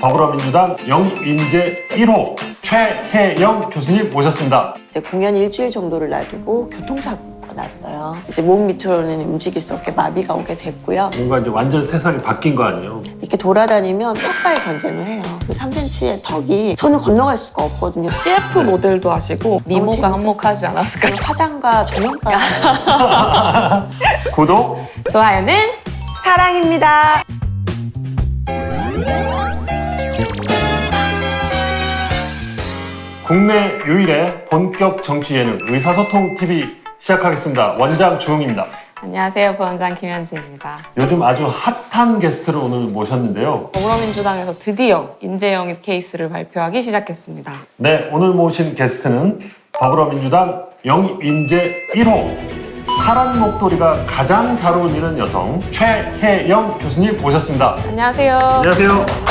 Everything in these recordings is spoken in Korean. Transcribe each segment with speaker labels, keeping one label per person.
Speaker 1: 더불어민주당 영인재 1호 최혜영 교수님 모셨습니다.
Speaker 2: 이제 공연 일주일 정도를 놔두고 교통사고가 났어요. 이제 몸 밑으로는 움직일 수 없게 마비가 오게 됐고요.
Speaker 1: 뭔가 이제 완전 세상이 바뀐 거 아니에요?
Speaker 2: 이렇게 돌아다니면 턱과의 전쟁을 해요. 그 3cm의 턱이 저는 건너갈 수가 없거든요.
Speaker 3: CF 모델도 하시고 미모가
Speaker 2: 재밌었어요.
Speaker 3: 한몫하지 않았을까요?
Speaker 2: 화장과 조명과
Speaker 1: 구독!
Speaker 3: 좋아요는
Speaker 2: 사랑입니다.
Speaker 1: 국내 유일의 본격 정치 예능 의사소통 TV 시작하겠습니다. 원장 주홍입니다.
Speaker 3: 안녕하세요, 부원장 김현지입니다.
Speaker 1: 요즘 아주 핫한 게스트를 오늘 모셨는데요.
Speaker 3: 더불어민주당에서 드디어 인재 영입 케이스를 발표하기 시작했습니다.
Speaker 1: 네, 오늘 모신 게스트는 더불어민주당 영인재 1호 파란 목도리가 가장 잘 어울리는 여성 최혜영 교수님 모셨습니다.
Speaker 3: 안녕하세요.
Speaker 1: 안녕하세요.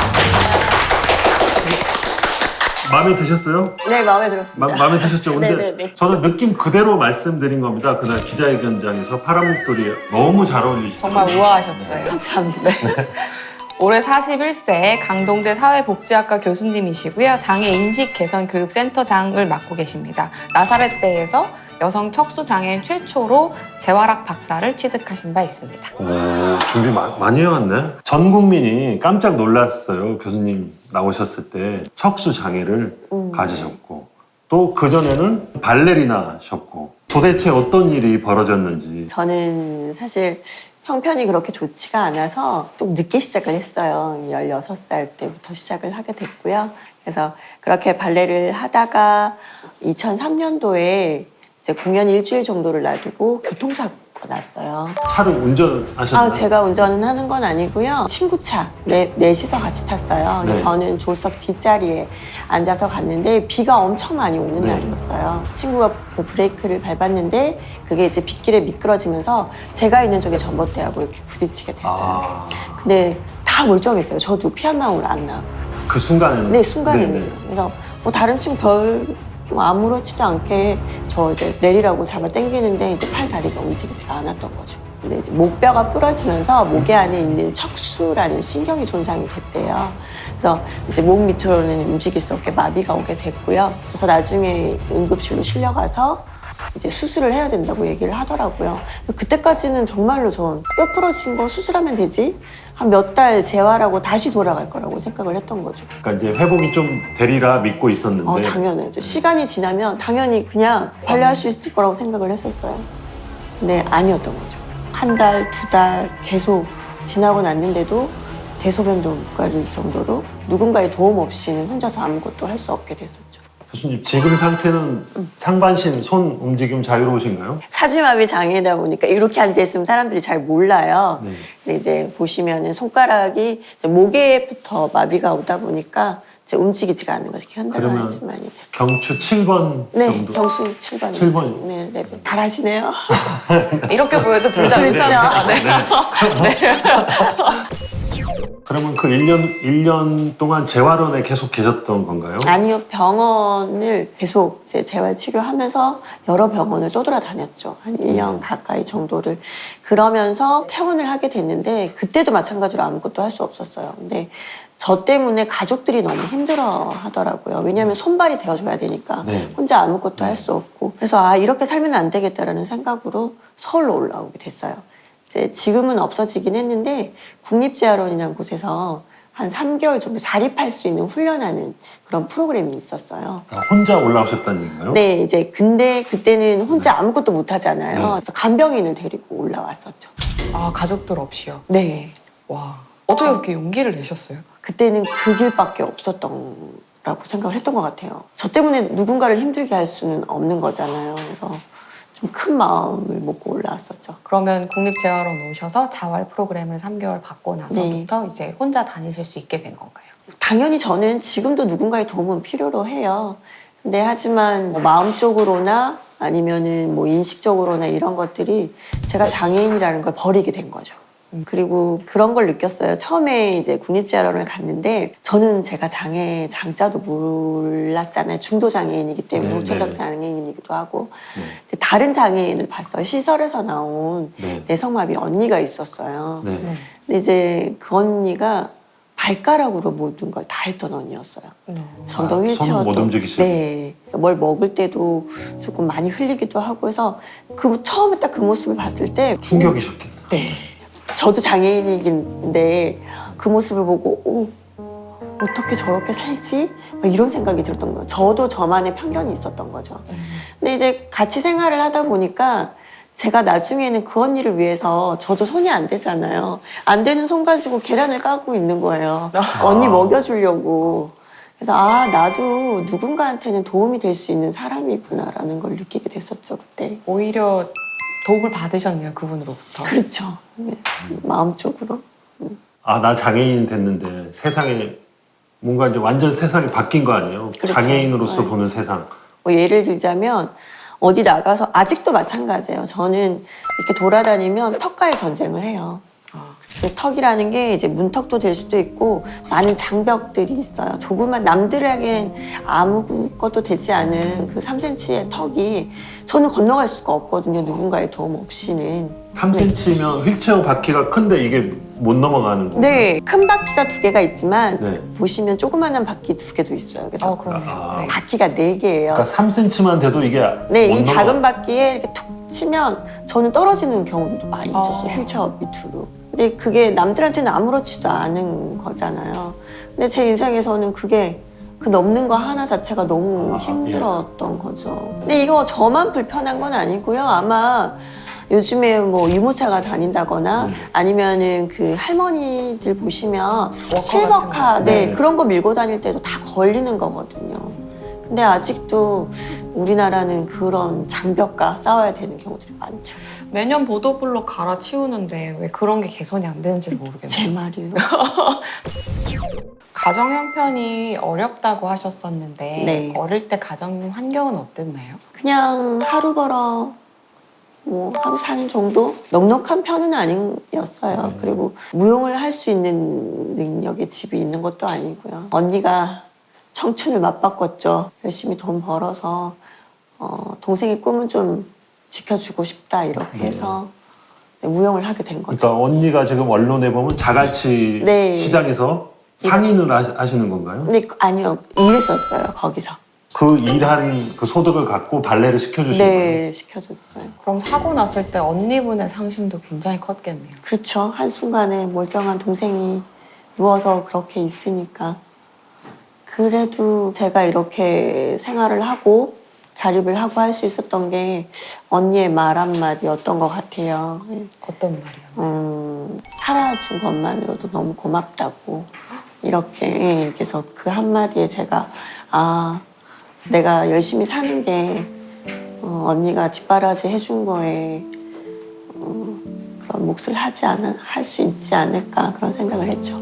Speaker 1: 마음에 드셨어요?
Speaker 2: 네, 마음에 들었습니다.
Speaker 1: 마음에 드셨죠? 근데
Speaker 2: 네네네.
Speaker 1: 저는 느낌 그대로 말씀드린 겁니다. 그날 기자회견장에서 파란 목도리 너무 잘 어울리시죠?
Speaker 3: 정말 우아하셨어요.
Speaker 2: 감사합니다.
Speaker 3: 올해 41세 강동대 사회복지학과 교수님이시고요. 장애 인식 개선 교육센터장을 맡고 계십니다. 나사렛대에서 여성 척수장애인 최초로 재활학 박사를 취득하신 바 있습니다.
Speaker 1: 오, 준비 많이 해왔네. 전 국민이 깜짝 놀랐어요. 교수님 나오셨을 때 척수 장애를 가지셨고 또 그전에는 발레리나셨고 도대체 어떤 일이 벌어졌는지.
Speaker 2: 저는 사실 형편이 그렇게 좋지가 않아서 좀 늦게 시작을 했어요. 16살 때부터 시작을 하게 됐고요. 그래서 그렇게 발레를 하다가 2003년도에 이제 공연 일주일 정도를 놔두고 교통사고가 났어요.
Speaker 1: 차를 운전하셨나요?
Speaker 2: 제가 운전은 하는 건 아니고요. 친구 차, 넷이서 같이 탔어요.
Speaker 1: 네.
Speaker 2: 저는 조수석 뒷자리에 앉아서 갔는데 비가 엄청 많이 오는
Speaker 1: 네.
Speaker 2: 날이었어요. 친구가 그 브레이크를 밟았는데 그게 이제 빗길에 미끄러지면서 제가 있는 쪽에 전봇대하고 이렇게 부딪히게 됐어요.
Speaker 1: 아,
Speaker 2: 근데 다 멀쩡했어요. 저도 피 한 방울 안 나.
Speaker 1: 그 순간에는?
Speaker 2: 네, 순간에는.
Speaker 1: 네네.
Speaker 2: 그래서 뭐 다른 친구 뭐 아무렇지도 않게 저 이제 내리라고 잡아 당기는데 이제 팔 다리가 움직이지가 않았던 거죠. 근데 이제 목뼈가 부러지면서 목에 안에 있는 척수라는 신경이 손상이 됐대요. 그래서 이제 몸 밑으로는 움직일 수 없게 마비가 오게 됐고요. 그래서 나중에 응급실로 실려가서 이제 수술을 해야 된다고 얘기를 하더라고요. 그때까지는 정말로 전 뼈 부러진 거 수술하면 되지? 한 몇 달 재활하고 다시 돌아갈 거라고 생각을 했던 거죠.
Speaker 1: 그러니까 이제 회복이 좀 되리라 믿고 있었는데
Speaker 2: 당연하죠. 시간이 지나면 당연히 그냥 발레할 수 있을 거라고 생각을 했었어요. 근데 아니었던 거죠. 한 달, 두 달 계속 지나고 났는데도 대소변도 못 가릴 정도로 누군가의 도움 없이는 혼자서 아무것도 할 수 없게 됐었죠.
Speaker 1: 교수님 지금 상태는 상반신 손 움직임 자유로우신가요?
Speaker 2: 사지마비 장애다 보니까 이렇게 앉아있으면 사람들이 잘 몰라요.
Speaker 1: 네.
Speaker 2: 근데 이제 보시면은 손가락이 이제 목에부터 마비가 오다 보니까 이제 움직이지가 않는 거죠. 이렇게
Speaker 1: 그러면
Speaker 2: 흔들어야지만이.
Speaker 1: 경추 7번
Speaker 2: 네,
Speaker 1: 정도?
Speaker 2: 경수 7번.
Speaker 1: 7번.
Speaker 2: 네, 레벨. 잘하시네요.
Speaker 3: 이렇게 보여도 둘 다 비슷합니다. 네.
Speaker 1: 그러면 그 1년 동안 재활원에 계속 계셨던 건가요?
Speaker 2: 아니요, 병원을 계속 이제 재활 치료하면서 여러 병원을 떠돌아다녔죠. 한 1년 가까이 정도를. 그러면서 퇴원을 하게 됐는데 그때도 마찬가지로 아무것도 할 수 없었어요. 근데 저 때문에 가족들이 너무 힘들어 하더라고요. 왜냐하면 손발이 되어줘야 되니까
Speaker 1: 네.
Speaker 2: 혼자 아무것도 할 수 없고. 그래서 이렇게 살면 안 되겠다라는 생각으로 서울로 올라오게 됐어요. 이제 지금은 없어지긴 했는데 국립재활원이라는 곳에서 한 3개월 정도 자립할 수 있는 훈련하는 그런 프로그램이 있었어요.
Speaker 1: 아, 혼자 올라오셨다는 얘기인가요?
Speaker 2: 네, 이제 근데 그때는 혼자 아무것도 못 하잖아요.
Speaker 1: 네.
Speaker 2: 그래서 간병인을 데리고 올라왔었죠.
Speaker 3: 아, 가족들 없이요?
Speaker 2: 네.
Speaker 3: 와, 어떻게 그렇게 용기를 내셨어요?
Speaker 2: 그때는 그 길밖에 없었던 라고 생각을 했던 것 같아요. 저 때문에 누군가를 힘들게 할 수는 없는 거잖아요. 그래서 좀 큰 마음을 먹고 올라왔었죠.
Speaker 3: 그러면 국립재활원 오셔서 자활 프로그램을 3개월 받고 나서부터 이제 혼자 다니실 수 있게 된 건가요?
Speaker 2: 당연히 저는 지금도 누군가의 도움은 필요로 해요. 근데 하지만 뭐 마음적으로나 아니면은 뭐 인식적으로나 이런 것들이 제가 장애인이라는 걸 버리게 된 거죠. 그리고 그런 걸 느꼈어요. 처음에 이제 국립재활원을 갔는데 저는 제가 장애 장자도 몰랐잖아요. 중도 장애인이기 때문에
Speaker 1: 네,
Speaker 2: 후천적
Speaker 1: 네.
Speaker 2: 장애인이기도 하고.
Speaker 1: 네.
Speaker 2: 근데 다른 장애인을 봤어요. 시설에서 나온
Speaker 1: 네.
Speaker 2: 내성마비 언니가 있었어요.
Speaker 1: 네.
Speaker 2: 근데 이제 그 언니가 발가락으로 모든 걸 다 했던 언니였어요. 전동
Speaker 1: 손은
Speaker 2: 휠체어도.
Speaker 1: 못 움직이시고.
Speaker 2: 네. 뭘 먹을 때도 조금 많이 흘리기도 하고 해서 그 처음에 딱 그 모습을 봤을 때
Speaker 1: 충격이셨겠네.
Speaker 2: 네. 저도 장애인이긴데 그 모습을 보고 어떻게 저렇게 살지? 막 이런 생각이 들었던 거예요. 저도 저만의 편견이 있었던 거죠. 근데 이제 같이 생활을 하다 보니까 제가 나중에는 그 언니를 위해서 저도 손이 안 되잖아요. 안 되는 손 가지고 계란을 까고 있는 거예요. 언니 먹여주려고. 그래서 나도 누군가한테는 도움이 될 수 있는 사람이구나라는 걸 느끼게 됐었죠, 그때.
Speaker 3: 오히려 도움을 받으셨네요, 그분으로부터.
Speaker 2: 그렇죠. 네. 마음적으로.
Speaker 1: 나 장애인 됐는데 세상에 뭔가 이제 완전 세상이 바뀐 거 아니에요?
Speaker 2: 그렇죠.
Speaker 1: 장애인으로서
Speaker 2: 네.
Speaker 1: 보는 세상.
Speaker 2: 뭐 예를 들자면 어디 나가서 아직도 마찬가지예요. 저는 이렇게 돌아다니면 턱과의 전쟁을 해요. 그 턱이라는 게 이제 문턱도 될 수도 있고 많은 장벽들이 있어요. 조그만 남들에겐 아무것도 되지 않은 그 3cm의 턱이 저는 건너갈 수가 없거든요. 누군가의 도움 없이는.
Speaker 1: 3cm면 휠체어 바퀴가 큰데 이게 못 넘어가는 거.
Speaker 2: 네, 큰 바퀴가 2개가 있지만
Speaker 1: 네.
Speaker 2: 보시면 조그만한 바퀴 2개도 있어요. 그래서
Speaker 3: 그러네요. 네.
Speaker 2: 바퀴가 4개예요.
Speaker 1: 그러니까 3cm만 돼도 이게
Speaker 2: 네,
Speaker 1: 못
Speaker 2: 이 작은
Speaker 1: 넘어가.
Speaker 2: 바퀴에 이렇게 툭 치면 저는 떨어지는 경우도 많이 있었어요. 휠체어 밑으로. 근데 그게 남들한테는 아무렇지도 않은 거잖아요. 근데 제 인생에서는 그게 그 넘는 거 하나 자체가 너무 힘들었던 거죠. 근데 이거 저만 불편한 건 아니고요. 아마 요즘에 뭐 유모차가 다닌다거나 아니면은 그 할머니들 보시면 실버카,
Speaker 3: 같은 거.
Speaker 2: 네,
Speaker 1: 네.
Speaker 2: 그런 거 밀고 다닐 때도 다 걸리는 거거든요. 근데 아직도 우리나라는 그런 장벽과 싸워야 되는 경우들이 많죠.
Speaker 3: 매년 보도블록 갈아치우는데 왜 그런 게 개선이 안 되는지 모르겠네요.
Speaker 2: 제 말이에요.
Speaker 3: 가정 형편이 어렵다고 하셨었는데
Speaker 2: 네.
Speaker 3: 어릴 때 가정 환경은 어땠나요?
Speaker 2: 그냥 하루 벌어 뭐 하루 사는 정도? 넉넉한 편은 아니었어요. 그리고 무용을 할 수 있는 능력의 집이 있는 것도 아니고요. 언니가 청춘을 맞바꿨죠. 열심히 돈 벌어서 동생의 꿈은 좀 지켜주고 싶다 이렇게 해서 무용을 하게 된 거죠.
Speaker 1: 그러니까 언니가 지금 언론에 보면 자갈치
Speaker 2: 네.
Speaker 1: 시장에서 상인을 하시는 건가요?
Speaker 2: 근데 아니요, 일했었어요 거기서.
Speaker 1: 그 일한 그 소득을 갖고 발레를 시켜주신 거예요?
Speaker 2: 네, 시켜줬어요.
Speaker 3: 그럼 사고 났을 때 언니분의 상심도 굉장히 컸겠네요.
Speaker 2: 그렇죠. 한순간에 멀쩡한 동생이 누워서 그렇게 있으니까. 그래도 제가 이렇게 생활을 하고 자립을 하고 할 수 있었던 게 언니의 말 한마디였던 것 같아요.
Speaker 3: 어떤 말이요?
Speaker 2: 살아준 것만으로도 너무 고맙다고 이렇게. 그래서 그 한마디에 제가 내가 열심히 사는 게 언니가 뒷바라지 해준 거에 그런 몫을 할 수 있지 않을까 그런 생각을 했죠.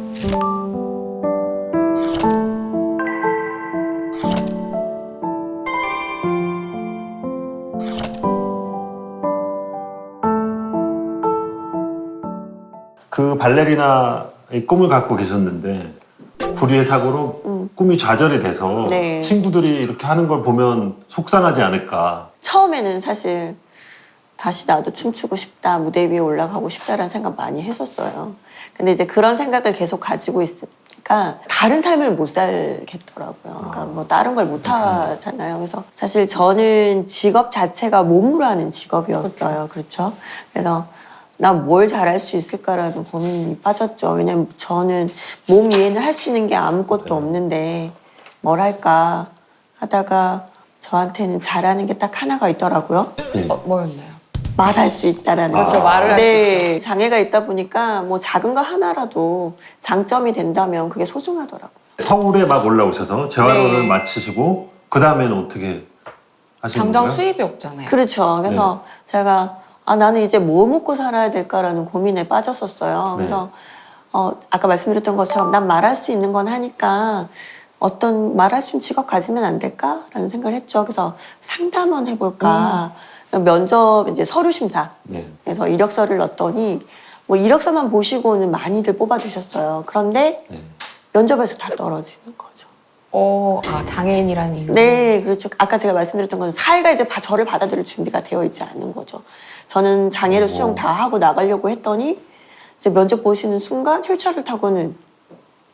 Speaker 1: 그 발레리나의 꿈을 갖고 계셨는데 불의의 사고로 꿈이 좌절이 돼서
Speaker 2: 네.
Speaker 1: 친구들이 이렇게 하는 걸 보면 속상하지 않을까.
Speaker 2: 처음에는 사실 다시 나도 춤추고 싶다, 무대 위에 올라가고 싶다라는 생각 많이 했었어요. 근데 이제 그런 생각을 계속 가지고 있으니까 다른 삶을 못 살겠더라고요. 그러니까 뭐 다른 걸 못 하잖아요. 그래서 사실 저는 직업 자체가 몸으로 하는 직업이었어요. 그렇죠? 그래서 나 뭘 잘할 수 있을까라는 고민이 빠졌죠. 왜냐면 저는 몸 위에는 할 수 있는 게 아무것도 없는데 뭘 할까 하다가 저한테는 잘하는 게 딱 하나가 있더라고요.
Speaker 1: 네.
Speaker 3: 뭐였나요?
Speaker 2: 말할 수 있다라는
Speaker 3: 그렇죠,
Speaker 2: 거.
Speaker 3: 말을 할 수
Speaker 2: 네, 장애가 있다 보니까 뭐 작은 거 하나라도 장점이 된다면 그게 소중하더라고요.
Speaker 1: 서울에 막 올라오셔서 재활원을
Speaker 2: 네.
Speaker 1: 마치시고 그 다음에는 어떻게 하시는
Speaker 3: 당장
Speaker 1: 건가요?
Speaker 3: 수입이 없잖아요.
Speaker 2: 그렇죠. 그래서 제가 나는 이제 뭐 먹고 살아야 될까라는 고민에 빠졌었어요. 그래서 아까 말씀드렸던 것처럼 난 말할 수 있는 건 하니까 어떤 말할 수 있는 직업 가지면 안 될까라는 생각을 했죠. 그래서 상담원 해볼까. 면접 이제 서류 심사.
Speaker 1: 네.
Speaker 2: 그래서 이력서를 넣었더니 뭐 이력서만 보시고는 많이들 뽑아주셨어요. 그런데
Speaker 1: 네.
Speaker 2: 면접에서 다 떨어지는 거죠.
Speaker 3: 장애인이라는 이유.
Speaker 2: 네, 그렇죠. 아까 제가 말씀드렸던 건 사회가 이제 저를 받아들일 준비가 되어 있지 않은 거죠. 저는 장애를 수용 다 하고 나가려고 했더니 이제 면접 보시는 순간 휠체어를 타고는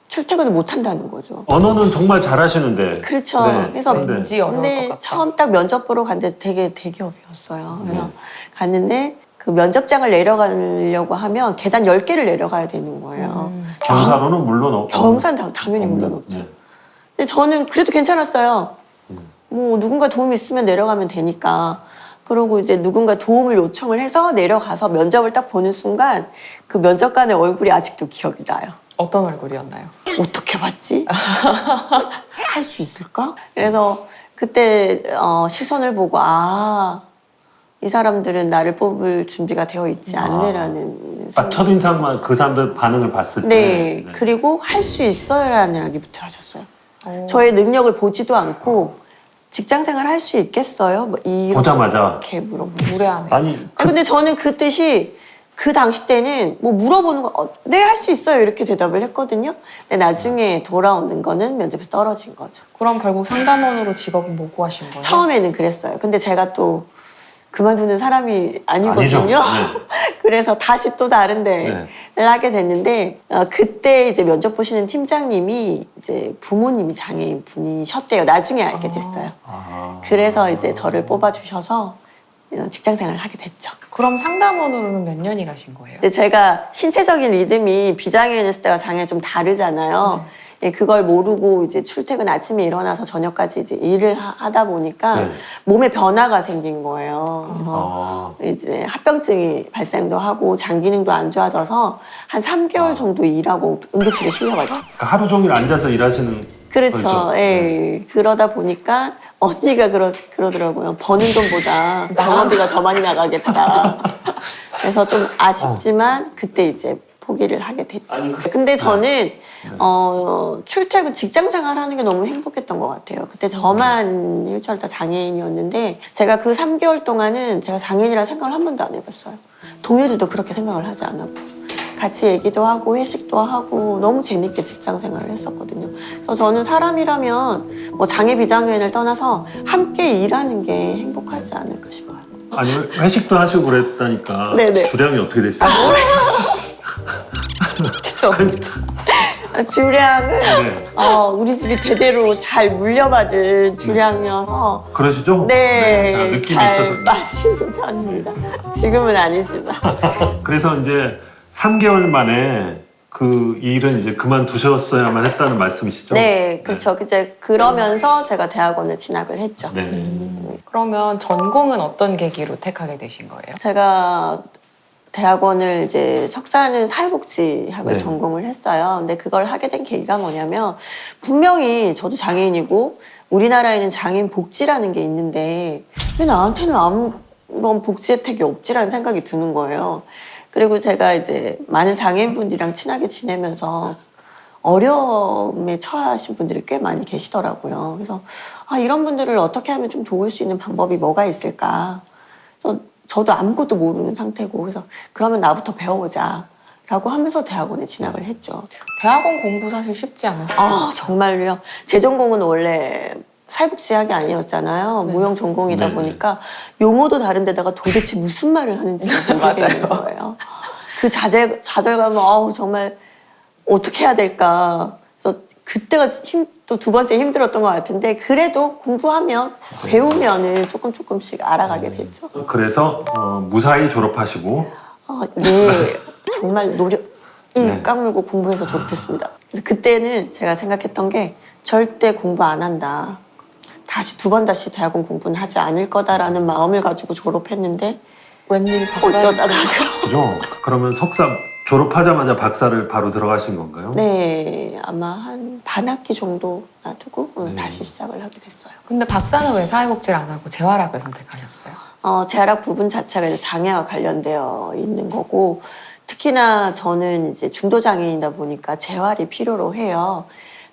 Speaker 2: 출퇴근을 못 한다는 거죠.
Speaker 1: 언어는 정말 잘하시는데.
Speaker 2: 그렇죠.
Speaker 1: 네.
Speaker 2: 그래서
Speaker 3: 왠지 어려울 것
Speaker 2: 근데
Speaker 3: 같다.
Speaker 2: 처음 딱 면접 보러 갔는데 되게 대기업이었어요. 그래서
Speaker 1: 네.
Speaker 2: 갔는데 그 면접장을 내려가려고 하면 계단 10개를 내려가야 되는 거예요.
Speaker 1: 경사로는 물론 없고.
Speaker 2: 경산 당연히 물론 없죠.
Speaker 1: 네.
Speaker 2: 근데 저는 그래도 괜찮았어요.
Speaker 1: 음.
Speaker 2: 뭐 누군가 도움이 있으면 내려가면 되니까. 그러고 이제 누군가 도움을 요청을 해서 내려가서 면접을 딱 보는 순간 그 면접관의 얼굴이 아직도 기억이 나요.
Speaker 3: 어떤 얼굴이었나요?
Speaker 2: 어떻게 봤지? 할 수 있을까? 그래서 그때 시선을 보고 이 사람들은 나를 뽑을 준비가 되어 있지 않네라는
Speaker 1: 딱 첫인상만 그 사람들 반응을 봤을 때.
Speaker 2: 네. 그리고 할 수 있어요라는 이야기부터 하셨어요.
Speaker 3: 오.
Speaker 2: 저의 능력을 보지도 않고 직장생활 할 수 있겠어요? 뭐
Speaker 1: 보자마자.
Speaker 2: 이렇게 물어보고.
Speaker 3: 무례하네.
Speaker 1: 아니,
Speaker 2: 근데 저는 그 뜻이 그 당시 때는 뭐 물어보는 거 네, 할 수 있어요 이렇게 대답을 했거든요. 근데 나중에 돌아오는 거는 면접에서 떨어진 거죠.
Speaker 3: 그럼 결국 상담원으로 직업은 못 구하신 거예요?
Speaker 2: 처음에는 그랬어요. 근데 제가 또 그만두는 사람이 아니거든요.
Speaker 1: 아니죠. 네.
Speaker 2: 그래서 다시 또 다른 데를 하게 됐는데 그때 이제 면접 보시는 팀장님이 이제 부모님이 장애인 분이셨대요. 나중에 알게 됐어요.
Speaker 1: 아.
Speaker 2: 그래서 이제 저를 뽑아주셔서 직장 생활을 하게 됐죠.
Speaker 3: 그럼 상담원으로는 몇 년 일하신 거예요?
Speaker 2: 근데 제가 신체적인 리듬이 비장애인이었을 때가 장애 좀 다르잖아요. 예, 그걸 모르고 이제 출퇴근 아침에 일어나서 저녁까지 이제 일을 하다 보니까
Speaker 1: 네.
Speaker 2: 몸에 변화가 생긴 거예요. 그래서 이제 합병증이 발생도 하고 장 기능도 안 좋아져서 한 3개월 정도 일하고 응급실에 실려갔죠.
Speaker 1: 그러니까 하루 종일 앉아서 일하시는.
Speaker 2: 그렇죠.
Speaker 1: 거죠?
Speaker 2: 예. 그러다 보니까 언니가 그러더라고요. 버는 돈보다 병원비가 더 많이 나가겠다. 그래서 좀 아쉽지만 그때 이제 포기를 하게 됐죠.
Speaker 1: 아니,
Speaker 2: 근데 저는 출퇴근 직장 생활하는 게 너무 행복했던 것 같아요. 그때 저만 휠체어 다 장애인이었는데 제가 그 3개월 동안은 제가 장애인이라는 생각을 한 번도 안 해봤어요. 동료들도 그렇게 생각을 하지 않았고 같이 얘기도 하고 회식도 하고 너무 재밌게 직장 생활을 했었거든요. 그래서 저는 사람이라면 뭐 장애 비장애인을 떠나서 함께 일하는 게 행복하지 않을까 싶어요.
Speaker 1: 아니, 회식도 하시고 그랬다니까.
Speaker 2: 네네.
Speaker 1: 주량이 어떻게 되시나요?
Speaker 3: 죄송합니다.
Speaker 2: 주량은
Speaker 1: 네.
Speaker 2: 우리 집이 대대로 잘 물려받은 주량이어서
Speaker 1: 그러시죠?
Speaker 2: 네,
Speaker 1: 제가 느낌이
Speaker 2: 잘
Speaker 1: 있어서.
Speaker 2: 마시는 편입니다. 지금은 아니지만.
Speaker 1: 그래서 이제 3개월 만에 그 일은 이제 그만두셨어야만 했다는 말씀이시죠?
Speaker 2: 네, 그렇죠. 이제 그러면서 제가 대학원을 진학을 했죠.
Speaker 1: 네.
Speaker 3: 그러면 전공은 어떤 계기로 택하게 되신 거예요?
Speaker 2: 제가 대학원을 이제 석사는 사회복지학을
Speaker 1: 네.
Speaker 2: 전공을 했어요. 근데 그걸 하게 된 계기가 뭐냐면 분명히 저도 장애인이고 우리나라에는 장애인 복지라는 게 있는데 왜 나한테는 아무런 복지 혜택이 없지라는 생각이 드는 거예요. 그리고 제가 이제 많은 장애인분들이랑 친하게 지내면서 어려움에 처하신 분들이 꽤 많이 계시더라고요. 그래서 이런 분들을 어떻게 하면 좀 도울 수 있는 방법이 뭐가 있을까? 그래서 저도 아무것도 모르는 상태고 그래서 그러면 나부터 배워보자 라고 하면서 대학원에 진학을 했죠.
Speaker 3: 대학원 공부 사실 쉽지 않았어요.
Speaker 2: 정말요. 제 전공은 원래 사회복지학이 아니었잖아요.
Speaker 3: 네.
Speaker 2: 무용 전공이다
Speaker 1: 네.
Speaker 2: 보니까 용어도 다른데다가 도대체 무슨 말을 하는지 모르겠는 거예요. 그 좌절감은 정말 어떻게 해야 될까. 그래서 그때가 또 두 번째 힘들었던 것 같은데 그래도 공부하면 배우면은 조금씩 알아가게 됐죠.
Speaker 1: 그래서 무사히 졸업하시고.
Speaker 2: 네, 정말
Speaker 1: 네.
Speaker 2: 까물고 공부해서 졸업했습니다. 그래서 그때는 제가 생각했던 게 절대 공부 안 한다. 두 번 다시 대학원 공부는 하지 않을 거다라는 마음을 가지고 졸업했는데
Speaker 3: 웬일 박사?
Speaker 2: 어쩌다가
Speaker 1: 그죠? 그러면 석사 졸업하자마자 박사를 바로 들어가신 건가요?
Speaker 2: 네, 아마 한 반학기 정도 놔두고
Speaker 1: 네.
Speaker 2: 다시 시작을 하게 됐어요.
Speaker 3: 근데 박사는 왜 사회복지를 안 하고 재활학을 선택하셨어요?
Speaker 2: 재활학 부분 자체가 이제 장애와 관련되어 있는 거고 특히나 저는 이제 중도 장애인이다 보니까 재활이 필요로 해요.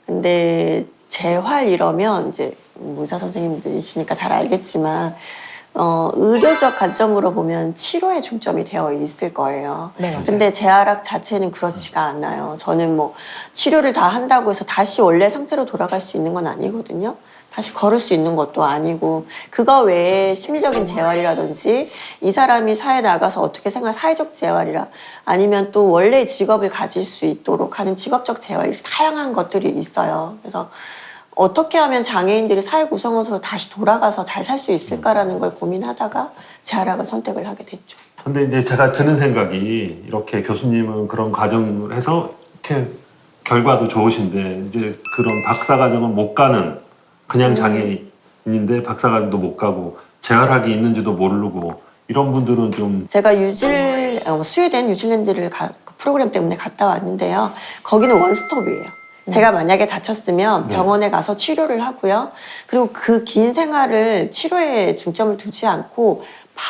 Speaker 2: 근데 재활 이러면 이제 의사 선생님들이시니까 잘 알겠지만 의료적 관점으로 보면 치료에 중점이 되어 있을 거예요.
Speaker 3: 네, 맞아요.
Speaker 2: 근데 재활학 자체는 그렇지가 않아요. 저는 뭐 치료를 다 한다고 해서 다시 원래 상태로 돌아갈 수 있는 건 아니거든요. 다시 걸을 수 있는 것도 아니고 그거 외에 심리적인 재활이라든지 이 사람이 사회에 나가서 어떻게 생각 사회적 재활이라 아니면 또 원래 직업을 가질 수 있도록 하는 직업적 재활 다양한 것들이 있어요. 그래서 어떻게 하면 장애인들이 사회 구성원으로 다시 돌아가서 잘 살 수 있을까라는 걸 고민하다가 재활학을 선택을 하게 됐죠.
Speaker 1: 근데 이제 제가 드는 생각이 이렇게 교수님은 그런 과정을 해서 이렇게 결과도 좋으신데 이제 그런 박사 과정은 못 가는 그냥 장애인인데 박사 과정도 못 가고 재활학이 있는지도 모르고 이런 분들은 좀
Speaker 2: 제가 스웨덴, 뉴질랜드를 그 프로그램 때문에 갔다 왔는데요. 거기는 원스톱이에요. 제가 만약에 다쳤으면 병원에 가서 치료를 하고요. 그리고 그 긴 생활을 치료에 중점을 두지 않고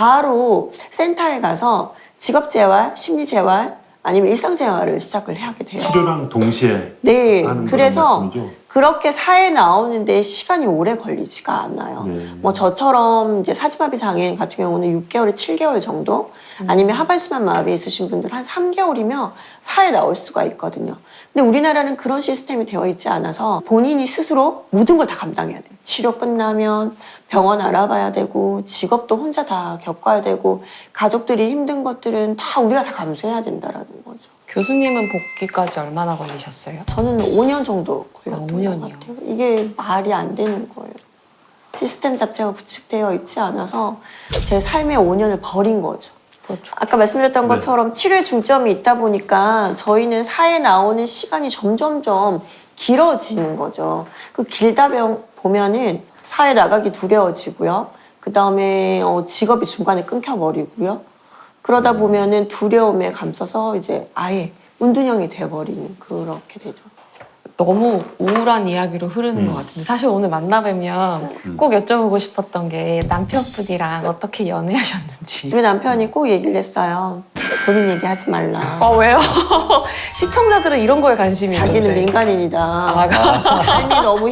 Speaker 2: 바로 센터에 가서 직업재활, 심리재활 아니면 일상재활을 시작을 하게 돼요.
Speaker 1: 치료랑 동시에
Speaker 2: 네,
Speaker 1: 하는
Speaker 2: 그래서
Speaker 1: 그런 말씀이죠?
Speaker 2: 그렇게 사회에 나오는데 시간이 오래 걸리지가 않아요.
Speaker 1: 네.
Speaker 2: 뭐 저처럼 이제 사지마비 장애인 같은 경우는 6개월에 7개월 정도 아니면 하반신만 마비 있으신 분들 한 3개월이면 사회에 나올 수가 있거든요. 근데 우리나라는 그런 시스템이 되어 있지 않아서 본인이 스스로 모든 걸 다 감당해야 돼요. 치료 끝나면 병원 알아봐야 되고 직업도 혼자 다 겪어야 되고 가족들이 힘든 것들은 다 우리가 다 감수해야 된다라는 거죠.
Speaker 3: 교수님은 복귀까지 얼마나 걸리셨어요?
Speaker 2: 저는 5년 정도 걸렸던
Speaker 3: 5년이요.
Speaker 2: 것 같아요. 이게 말이 안 되는 거예요. 시스템 자체가 구축되어 있지 않아서 제 삶의 5년을 버린 거죠.
Speaker 3: 그렇죠.
Speaker 2: 아까 말씀드렸던
Speaker 1: 네.
Speaker 2: 것처럼 치료에 중점이 있다 보니까 저희는 사회에 나오는 시간이 점점점 길어지는 거죠. 그 길다 보면은 사회 나가기 두려워지고요. 그 다음에 직업이 중간에 끊겨버리고요. 그러다 보면은 두려움에 감싸서 이제 아예 운둔형이 돼버리는 그렇게 되죠.
Speaker 3: 너무 우울한 이야기로 흐르는 것 같은데 사실 오늘 만나뵈면 꼭 여쭤보고 싶었던 게 남편분이랑 어떻게 연애하셨는지.
Speaker 2: 우리 남편이 꼭 얘기를 했어요. 본인 얘기하지 말라.
Speaker 3: 왜요? 시청자들은 이런 거에 관심이
Speaker 2: 자기는
Speaker 3: 있는데.
Speaker 2: 민간인이다. 삶이 너무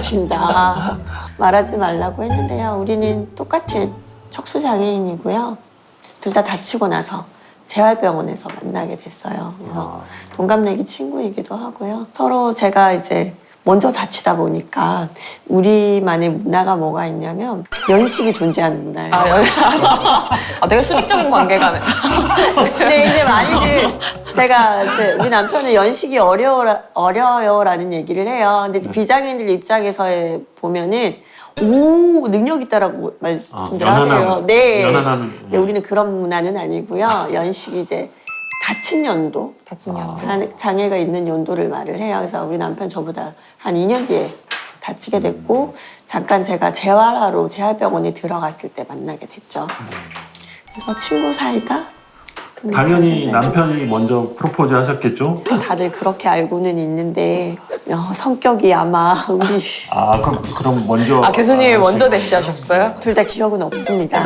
Speaker 2: 힘들어진다. 말하지 말라고 했는데요. 우리는 똑같이 척수장애인이고요. 둘 다 다치고 나서 재활병원에서 만나게 됐어요. 그래서 동갑내기 친구이기도 하고요. 서로 제가 이제 먼저 다치다 보니까 우리만의 문화가 뭐가 있냐면 연식이 존재하는 문화예요.
Speaker 3: 되게 수직적인 관계가.
Speaker 2: 근데 이제 많이들 제가 이제 우리 남편은 연식이 어려요라는 얘기를 해요. 근데 이제 비장애인들 입장에서 보면은 오 능력 있다라고 말씀들 하세요. 네.
Speaker 1: 연하는
Speaker 2: 근데 우리는 그런 문화는 아니고요. 연식이 이제 다친 연도,
Speaker 3: 다친 연도.
Speaker 2: 장애가 있는 연도를 말을 해요. 그래서 우리 남편 저보다 한 2년 뒤에 다치게 됐고 잠깐 제가 재활하러 재활병원에 들어갔을 때 만나게 됐죠. 그래서 친구 사이가
Speaker 1: 당연히 남편이 먼저 프로포즈 하셨겠죠?
Speaker 2: 다들 그렇게 알고는 있는데 성격이 아마 우리
Speaker 1: 그럼 먼저
Speaker 3: 교수님이 먼저 대시하셨어요?
Speaker 2: 둘 다 기억은 없습니다.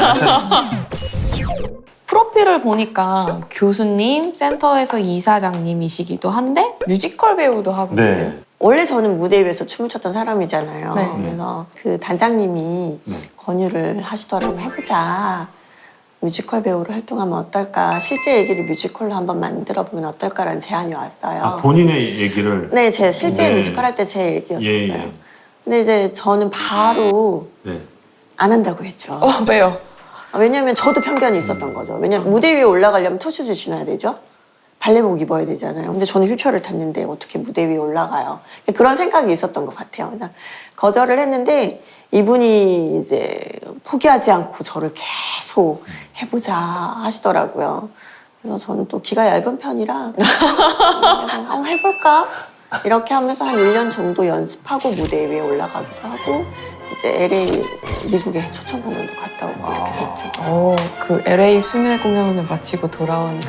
Speaker 3: 프로필을 보니까 교수님, 센터에서 이사장님이시기도 한데 뮤지컬 배우도 하고 계세요.
Speaker 1: 네.
Speaker 2: 원래 저는 무대 위에서 춤을 췄던 사람이잖아요.
Speaker 3: 네.
Speaker 2: 그래서 그 단장님이
Speaker 1: 네.
Speaker 2: 권유를 하시더라고요. 해보자. 뮤지컬 배우로 활동하면 어떨까? 실제 얘기를 뮤지컬로 한번 만들어보면 어떨까라는 제안이 왔어요.
Speaker 1: 본인의 얘기를
Speaker 2: 네, 제 실제
Speaker 1: 네.
Speaker 2: 뮤지컬 할 때 제 얘기였었어요.
Speaker 1: 예.
Speaker 2: 근데 이제 저는 바로
Speaker 1: 네.
Speaker 2: 안 한다고 했죠.
Speaker 3: 왜요?
Speaker 2: 왜냐면 저도 편견이 있었던 거죠. 왜냐면 무대 위에 올라가려면 투슈즈 신어야 되죠. 발레복 입어야 되잖아요. 근데 저는 휠체어를 탔는데 어떻게 무대 위에 올라가요? 그런 생각이 있었던 것 같아요. 그냥 거절을 했는데 이분이 이제 포기하지 않고 저를 계속 해보자 하시더라고요. 그래서 저는 또 기가 얇은 편이라 그래서 해볼까? 이렇게 하면서 한 1년 정도 연습하고 무대 위에 올라가기도 하고 이제 LA 미국에 초청 공연도 갔다 오고 이렇게 됐죠.
Speaker 3: 그 LA 순회 공연을 마치고 돌아온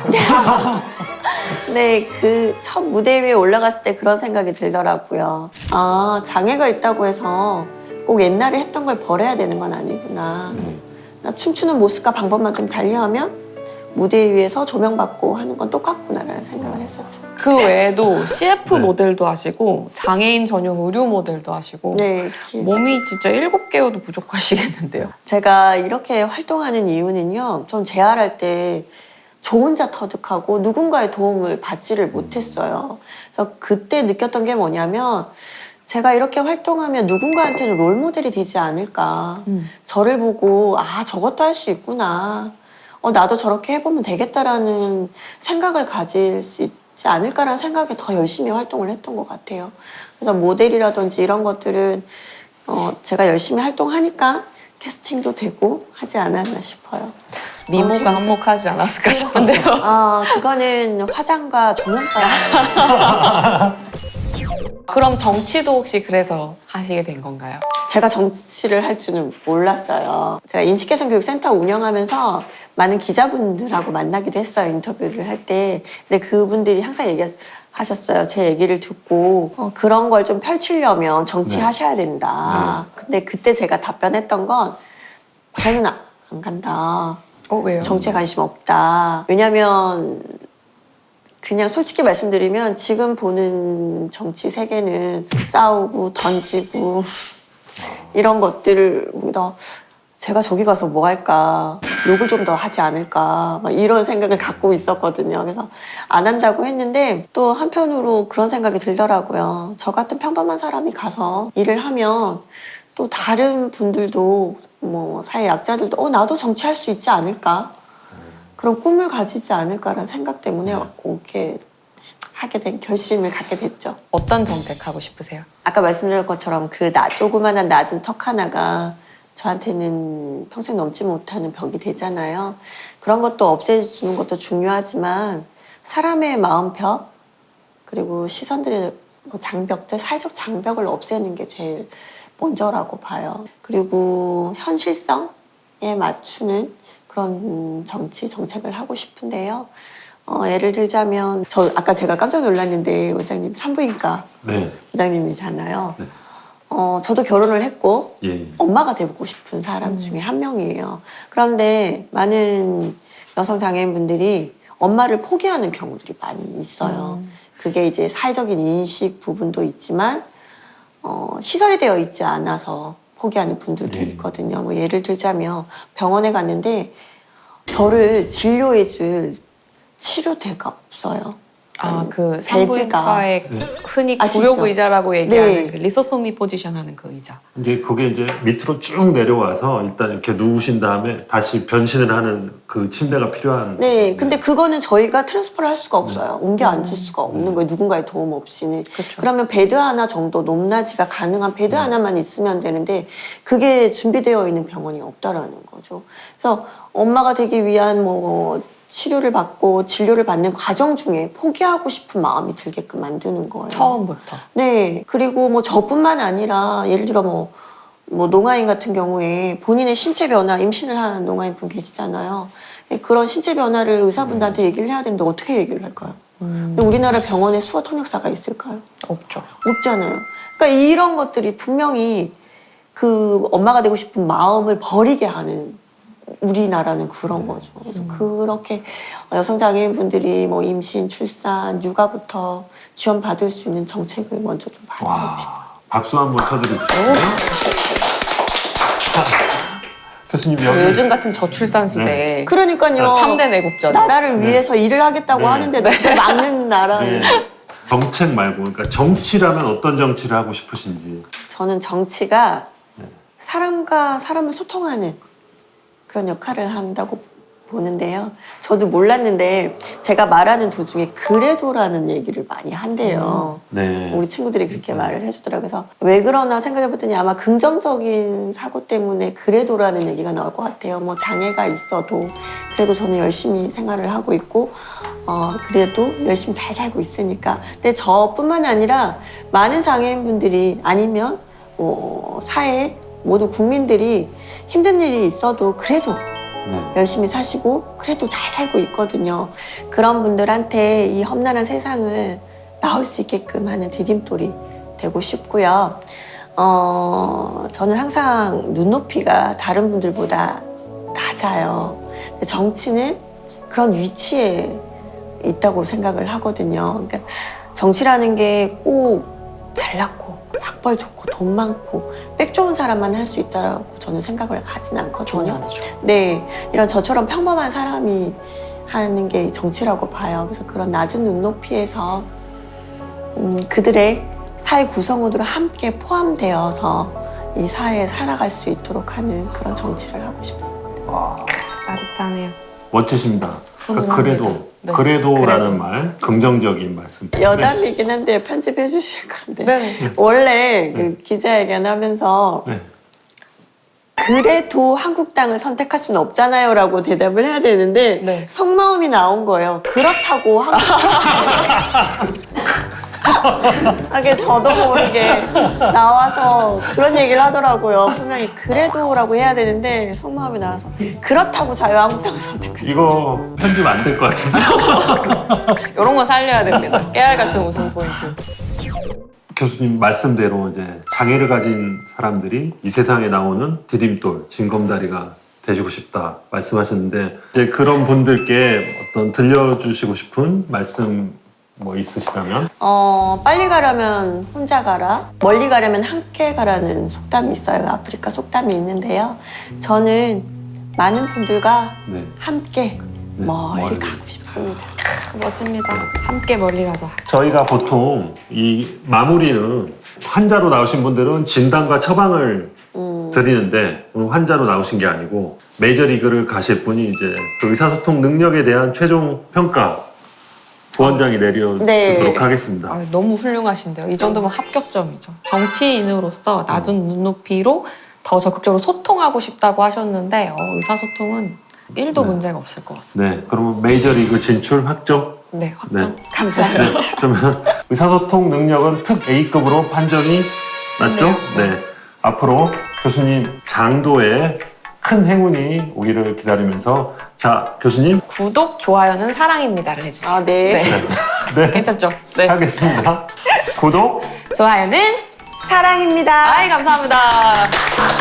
Speaker 2: 근데 그 첫 무대 위에 올라갔을 때 그런 생각이 들더라고요. 장애가 있다고 해서 꼭 옛날에 했던 걸 버려야 되는 건 아니구나. 나 춤추는 모습과 방법만 좀 달리하면 무대 위에서 조명받고 하는 건 똑같구나라는 생각을 했었죠.
Speaker 3: 그 외에도 CF
Speaker 1: 네.
Speaker 3: 모델도 하시고 장애인 전용 의류 모델도 하시고
Speaker 2: 네,
Speaker 3: 몸이 진짜 7개여도 부족하시겠는데요.
Speaker 2: 제가 이렇게 활동하는 이유는요. 전 재활할 때 저 혼자 터득하고 누군가의 도움을 받지를 못했어요. 그래서 그때 느꼈던 게 뭐냐면 제가 이렇게 활동하면 누군가한테는 롤모델이 되지 않을까. 저를 보고 아 저것도 할 수 있구나. 나도 저렇게 해보면 되겠다라는 생각을 가질 수 있지 않을까라는 생각에 더 열심히 활동을 했던 것 같아요. 그래서 모델이라든지 이런 것들은 제가 열심히 활동하니까 캐스팅도 되고 하지 않았나 싶어요.
Speaker 3: 미모가
Speaker 2: 재밌었어요.
Speaker 3: 한몫하지 않았을까 싶은데요.
Speaker 2: 그거는 화장과 조명과
Speaker 3: 그럼 정치도 혹시 그래서 하시게 된 건가요?
Speaker 2: 제가 정치를 할 줄은 몰랐어요. 제가 인식개선교육센터 운영하면서 많은 기자분들하고 만나기도 했어요. 인터뷰를 할 때. 근데 그분들이 항상 얘기하셨어요. 제 얘기를 듣고 그런 걸 좀 펼치려면 정치하셔야 된다. 근데 그때 제가 답변했던 건 저는 안 간다.
Speaker 3: 왜요?
Speaker 2: 정치에 관심 없다. 왜냐면 그냥 솔직히 말씀드리면 지금 보는 정치 세계는 싸우고 던지고 이런 것들을 더 제가 저기 가서 뭐 할까, 욕을 좀 더 하지 않을까 막 이런 생각을 갖고 있었거든요. 그래서 안 한다고 했는데 또 한편으로 그런 생각이 들더라고요. 저 같은 평범한 사람이 가서 일을 하면 또 다른 분들도 뭐 사회 약자들도 나도 정치할 수 있지 않을까, 그런 꿈을 가지지 않을까라는 생각 때문에 이렇게 하게 된 결심을 갖게 됐죠.
Speaker 3: 어떤 정책 하고 싶으세요?
Speaker 2: 아까 말씀드린 것처럼 그 조그만한 낮은 턱 하나가 저한테는 평생 넘지 못하는 벽이 되잖아요. 그런 것도 없애주는 것도 중요하지만 사람의 마음벽 그리고 시선들의 장벽들, 사회적 장벽을 없애는 게 제일 먼저라고 봐요. 그리고 현실성에 맞추는 그런 정책을 하고 싶은데요. 예를 들자면 아까 제가 깜짝 놀랐는데 원장님 산부인과
Speaker 1: 네.
Speaker 2: 원장님이잖아요.
Speaker 1: 네.
Speaker 2: 저도 결혼을 했고
Speaker 1: 예.
Speaker 2: 엄마가 되고 싶은 사람 중에 한 명이에요. 그런데 많은 여성 장애인분들이 엄마를 포기하는 경우들이 많이 있어요. 그게 이제 사회적인 인식 부분도 있지만 시설이 되어 있지 않아서 포기하는 분들도 있거든요. 뭐 예를 들자면 병원에 갔는데 저를 진료해줄 치료대가 없어요.
Speaker 3: 그 산부인과의 흔히
Speaker 2: 아시죠?
Speaker 3: 구욕의자라고 얘기하는
Speaker 2: 네.
Speaker 3: 그 리소소미 포지션 하는 그 의자.
Speaker 1: 그게 이제 밑으로 쭉 내려와서 일단 이렇게 누우신 다음에 다시 변신을 하는 그 침대가 필요한.
Speaker 2: 네, 근데 그거는 저희가 트랜스퍼를 할 수가 없어요. 옮겨 앉을 수가 없는 거예요. 누군가의 도움 없이는.
Speaker 3: 그렇죠.
Speaker 2: 그러면 베드 하나 정도 높낮이가 가능한 베드 하나만 있으면 되는데 그게 준비되어 있는 병원이 없다라는 거죠. 그래서 엄마가 되기 위한 치료를 받고 진료를 받는 과정 중에 포기하고 싶은 마음이 들게끔 만드는 거예요.
Speaker 3: 처음부터.
Speaker 2: 네. 그리고 저뿐만 아니라 예를 들어 뭐 농아인 같은 경우에 본인의 신체 변화, 임신을 하는 농아인 분 계시잖아요. 그런 신체 변화를 의사분들한테 얘기를 해야 되는데 어떻게 얘기를 할까요? 근데 우리나라 병원에 수어 통역사가 있을까요?
Speaker 3: 없죠.
Speaker 2: 없잖아요. 그러니까 이런 것들이 분명히 그 엄마가 되고 싶은 마음을 버리게 하는 우리나라는 그런 거죠. 그래서 그렇게 여성장애인분들이 임신, 출산, 육아부터 지원받을 수 있는 정책을 먼저 좀 발표하고 싶어요.
Speaker 1: 박수 한번 쳐드립시다. 교수님 여기
Speaker 3: 요즘 같은 저출산 시대에
Speaker 2: 그러니까요.
Speaker 3: 참된 애국자.
Speaker 2: 나라를 위해서 일을 하겠다고
Speaker 1: 네.
Speaker 2: 하는데 또 막는 나라는.
Speaker 1: 네. 정책 말고 그러니까 정치라면 어떤 정치를 하고 싶으신지.
Speaker 2: 저는 정치가 사람과 사람을 소통하는 그런 역할을 한다고 보는데요. 저도 몰랐는데 제가 말하는 도중에 그래도라는 얘기를 많이 한대요.
Speaker 1: 네.
Speaker 2: 우리 친구들이 그렇게 말을 해주더라고요. 그래서 왜 그러나 생각해봤더니 아마 긍정적인 사고 때문에 그래도라는 얘기가 나올 것 같아요. 장애가 있어도 그래도 저는 열심히 생활을 하고 있고 그래도 열심히 잘 살고 있으니까. 근데 저뿐만 아니라 많은 장애인분들이 아니면 사회 모든 국민들이 힘든 일이 있어도 그래도 열심히 사시고 그래도 잘 살고 있거든요. 그런 분들한테 이 험난한 세상을 나올 수 있게끔 하는 디딤돌이 되고 싶고요. 저는 항상 눈높이가 다른 분들보다 낮아요. 근데 정치는 그런 위치에 있다고 생각을 하거든요. 그러니까 정치라는 게 꼭 잘났고 학벌 좋고 돈 많고 백 좋은 사람만 할 수 있다라고 저는 생각을 하진 않거든요.
Speaker 3: 전혀 아니죠.
Speaker 2: 네, 이런 저처럼 평범한 사람이 하는 게 정치라고 봐요. 그래서 그런 낮은 눈높이에서 그들의 사회 구성원으로 함께 포함되어서 이 사회에 살아갈 수 있도록 하는 그런 정치를 하고 싶습니다.
Speaker 1: 와,
Speaker 3: 따뜻하네요.
Speaker 1: 멋지십니다. 그러니까
Speaker 3: 훈훈합니다.
Speaker 1: 그래도
Speaker 3: 네.
Speaker 1: 그래도라는
Speaker 3: 그래도.
Speaker 1: 말 긍정적인 말씀.
Speaker 2: 여담이긴 한데 편집해 주실 건데
Speaker 3: 네.
Speaker 2: 원래 그 기자회견 하면서
Speaker 1: 네.
Speaker 2: 그래도 한국당을 선택할 수는 없잖아요 라고 대답을 해야 되는데
Speaker 3: 네.
Speaker 2: 속마음이 나온 거예요. 그렇다고 하게 저도 모르게 나와서 그런 얘기를 하더라고요. 분명히 그래도라고 해야 되는데 속마음이 나와서 그렇다고 자유한국당을 선택할 수
Speaker 1: 이거 편집 안 될 것 같은데.
Speaker 3: 이런 거 살려야 됩니다. 깨알 같은 웃음 포인트.
Speaker 1: 교수님 말씀대로 이제 장애를 가진 사람들이 이 세상에 나오는 디딤돌, 징검다리가 되시고 싶다 말씀하셨는데 이제 그런 분들께 어떤 들려주시고 싶은 말씀 뭐 있으시다면?
Speaker 2: 빨리 가려면 혼자 가라, 멀리 가려면 함께 가라는 속담이 있어요. 아프리카 속담이 있는데요. 저는 많은 분들과
Speaker 1: 네.
Speaker 2: 함께
Speaker 1: 네,
Speaker 2: 멀리
Speaker 1: 멀리.
Speaker 2: 가고 싶습니다.
Speaker 3: 멋집니다. 함께 멀리 가자.
Speaker 1: 저희가 보통 이 마무리는 환자로 나오신 분들은 진단과 처방을 드리는데 오늘 환자로 나오신 게 아니고 메이저리그를 가실 분이 이제 그 의사소통 능력에 대한 최종 평가 부원장이 내려주도록
Speaker 2: 네.
Speaker 1: 하겠습니다.
Speaker 3: 아, 너무 훌륭하신데요. 이 정도면 합격점이죠. 정치인으로서 낮은 눈높이로 더 적극적으로 소통하고 싶다고 하셨는데 의사소통은 1도
Speaker 1: 네.
Speaker 3: 문제가 없을 것 같습니다.
Speaker 1: 네, 그러면 메이저리그 진출 확정?
Speaker 3: 네, 확정.
Speaker 1: 네.
Speaker 2: 감사합니다.
Speaker 1: 네, 그러면 의사소통 능력은 특 A급으로 판정이 맞죠?
Speaker 3: 네.
Speaker 1: 네. 앞으로 교수님 장도에 큰 행운이 오기를 기다리면서 자, 교수님
Speaker 3: 구독, 좋아요는 사랑입니다를 해주세요.
Speaker 2: 아, 네.
Speaker 1: 네,
Speaker 3: 괜찮죠? 네.
Speaker 1: 하겠습니다. 구독
Speaker 3: 좋아요는
Speaker 2: 사랑입니다.
Speaker 3: 아이 감사합니다.